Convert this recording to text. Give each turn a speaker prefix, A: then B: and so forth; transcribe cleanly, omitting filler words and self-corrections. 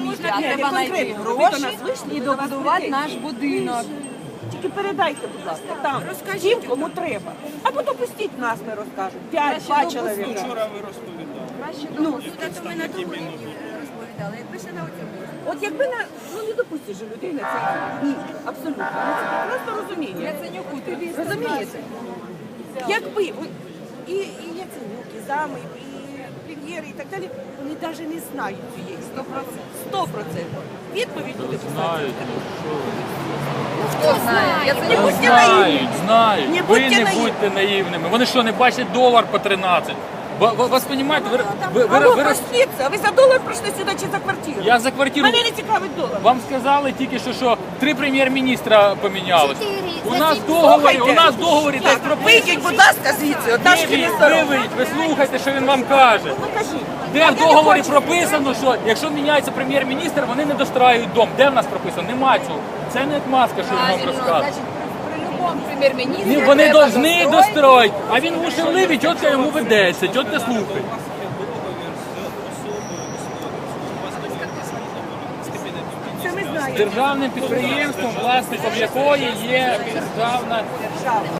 A: світі, а треба знайти гроші і добудувати наш будинок.
B: Тільки передайте, будь ласка, там, тим, кому треба. Або допустіть нас, ми розкажемо. 5-2 чоловіка.
C: Вчора ви розповідали.
A: Тут ми на тому розповідали, якби ще на оцьому.
B: От якби не допустиш же людей на це. Ні, абсолютно. Ну, це просто розуміння.
A: Яценюку тобі
B: Розумієте? Якби і Яценюк, і зами, і прем'єри, і так далі, вони навіть не знають цієї 100%. Відповідь буде писати.
A: Хто знає?
B: Не будьте наївні.
D: Знають.
B: Не
D: Ви
B: будьте
D: не
B: наївні.
D: будьте наївними. Вони що, не бачать долар по 13? Ви розумієте,
B: Алло, простіться, а ви за долар прийшли сюди чи за квартиру?
D: Я за квартиру.
B: Мене не цікавить долар.
D: Вам сказали тільки що 3 прем'єр-міністра помінялось. У нас в
B: Слухайте.
D: договорі так прописано.
B: Вийдіть, будь ласка, звідси, от наш міністр.
D: Ви слухайте, що він вам каже.
B: Покажіть.
D: Де в договорі прописано, що якщо міняється прем'єр-міністр, вони не достраюють дом. Де в нас прописано? Нема цього. Це не отмазка, що він вам розказує.
A: Значить, при любому прем'єр-міністрі
D: Ні, вони
A: треба
D: повинні достроїти, а він уші влив і чітко йому ведеться, чітко слухає.
B: Це ми знаємо.
D: Державним підприємством, власником якої є державна